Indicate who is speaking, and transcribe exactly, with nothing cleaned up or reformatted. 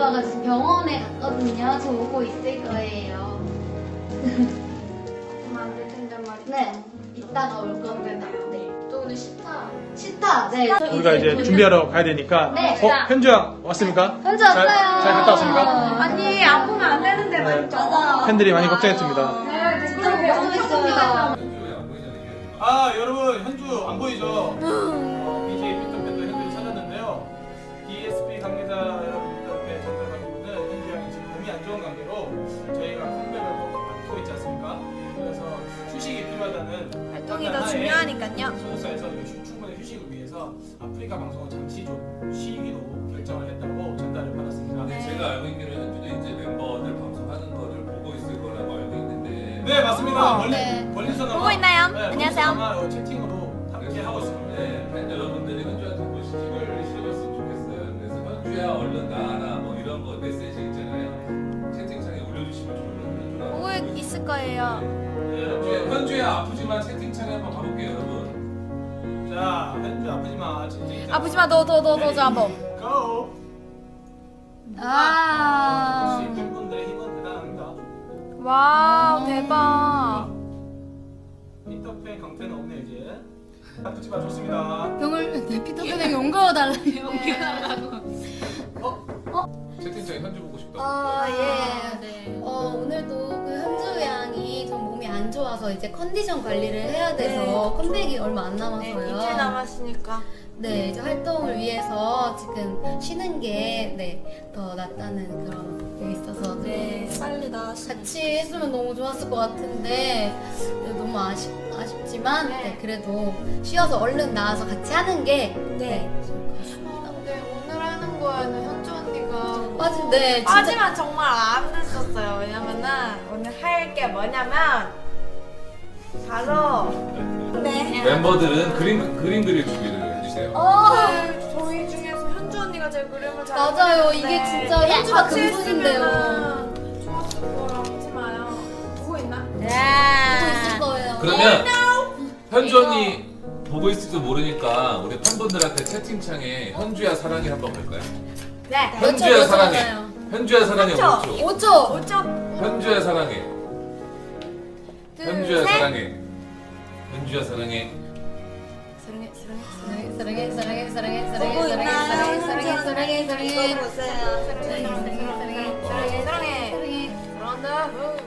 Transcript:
Speaker 1: 오빠가 지금 병원에 갔거든요. 저 오고 있을 거예요.
Speaker 2: 그럼 안 될 텐데 말이야.
Speaker 1: 네, 이따가 올 건데. 네.
Speaker 2: 또 오늘 시타.
Speaker 1: 시타. 네. 저
Speaker 3: 우리가 이제
Speaker 1: 돌려-
Speaker 3: 준비하러 가야 되니까.
Speaker 1: 네.
Speaker 3: 어, 현주야 왔습니까?
Speaker 1: 현주
Speaker 3: 잘,
Speaker 1: 왔어요.
Speaker 3: 잘 갔다 왔습니까?
Speaker 2: 아니 아프면 안 되는데 말이죠.
Speaker 1: 맞아.
Speaker 3: 팬들이 많이 걱정했습니다.
Speaker 2: 네,
Speaker 1: 진짜 걱정했어요.
Speaker 3: 아, 여러분 현주 안 보이죠? 비제이 피터팬도 현주를 찾았는데요. 디에스피 관계자 여러분들께 전달받기로는 현주 양이 지금 몸이 안 좋은 관계로 저희가 컴백을 앞두고 있지 않습니까? 그래서 휴식이 필요하다는
Speaker 2: 활동이 더 중요하니까요.
Speaker 3: 소속사에서 휴- 충분히 휴식을 위해서 아프리카 방송을 잠시 좀 쉬기로 결정을 했다고 전달을 받았습니다.
Speaker 4: 근데 제가 알고 있기로는 현주도 이제 멤버들 방송하는 거를 보고 있을 거라고 알고 있는데.
Speaker 3: 네, 맞습니다. 멀리,
Speaker 1: 네.
Speaker 3: 멀리서나마
Speaker 2: 보고 있나요?
Speaker 3: 네,
Speaker 2: 안녕하세요.
Speaker 3: 멀리서나마 채팅으로 함께 하고 있습니다.
Speaker 4: 네, 팬 여러분들이 현주한테 보시기를 실어줬으면 좋겠어요. 그래서 현주야 얼른 나와라 뭐 이런 거 메시지 있잖아요. 채팅창에 올려주시면 좋을 것 같아요.
Speaker 2: 보고 있을 거예요.
Speaker 3: 네,
Speaker 4: 현주야,
Speaker 3: 여러분.
Speaker 4: 현주야 아프지만 채팅창에 한번 가볼게요, 여러분.
Speaker 3: 자, 현주 아프지 마. 채팅창.
Speaker 2: 아프지 마, 너, 너, 너, 너, 저 한번.
Speaker 3: 고!
Speaker 2: 아,
Speaker 3: 역시 팬분들의 힘은 대단합니다.
Speaker 2: 와우, 대박.
Speaker 3: 피터팬 강태는 없네 이제. 아프지 마, 좋습니다.
Speaker 1: 병을 네, 피터팬에게 옮겨달래요.
Speaker 4: 채팅창에 현주 보고 싶다고.
Speaker 1: 아, 예.
Speaker 2: 네.
Speaker 1: 어, 오늘도 그 현주 양이 좀 몸이 안 좋아서 이제 컨디션 관리를 해야 돼서 컴백이 얼마 안 남아서요.
Speaker 2: 네, 이틀 남았으니까.
Speaker 1: 네, 이제 활동을 위해서 지금 쉬는 게 네, 더 낫다는 그런 게 있어서
Speaker 2: 네, 빨리 나왔으면.
Speaker 1: 같이 했으면 너무 좋았을 것 같은데 네, 너무 아쉽, 아쉽지만
Speaker 2: 네.
Speaker 1: 네, 그래도 쉬어서 얼른 나와서 같이 하는 게
Speaker 2: 네.
Speaker 1: 네, 좋을 것 같습니다.
Speaker 2: 근데 오늘 하는 거에는 현주 언니가
Speaker 1: 빠지, 네, 진짜
Speaker 2: 빠지면 정말 안 됐었어요. 왜냐면은 오늘 할 게 뭐냐면 바로 네.
Speaker 4: 멤버들은 그림 그림 그릴 준비를 해주세요.
Speaker 1: 어,
Speaker 2: 네, 저희 중에서 현주 언니가 제 그림을 잘
Speaker 1: 맞아요.
Speaker 2: 그리는데
Speaker 1: 이게 진짜 현주가
Speaker 2: 같이
Speaker 1: 금손인데요.
Speaker 2: 했으면은 좋았을 거라 하지 마요. 보고 있나?
Speaker 1: 보고 있을 거예요.
Speaker 4: 그러면 현주 언니 보고 있을지도 모르니까 우리 팬분들한테 채팅창에 현주야 사랑해 한번 볼까요?
Speaker 2: 네.
Speaker 1: 몇 초,
Speaker 4: 현주야
Speaker 1: 몇 초
Speaker 4: 사랑해.
Speaker 1: 맞아요?
Speaker 4: 현주야 사랑해
Speaker 2: 몇 초?
Speaker 4: 오 초.
Speaker 1: 오 초.
Speaker 2: 오죠?
Speaker 4: 현주야 사랑해.
Speaker 2: 둘,
Speaker 4: 현주야
Speaker 2: 셋.
Speaker 4: 사랑해. 현주야 사랑해.
Speaker 2: 사랑해, 사랑해,
Speaker 1: 사랑해, 사랑해, 사랑해, 사랑해,
Speaker 2: 보고
Speaker 1: 사랑해,
Speaker 2: 있나요?
Speaker 1: 사랑해, 사랑해, 사랑해, 사랑해,
Speaker 2: 이거 보세요.
Speaker 1: 사랑해, 사랑해, 사랑해,
Speaker 2: 사랑해, 사랑해.
Speaker 1: 사랑해.
Speaker 2: 사랑한다.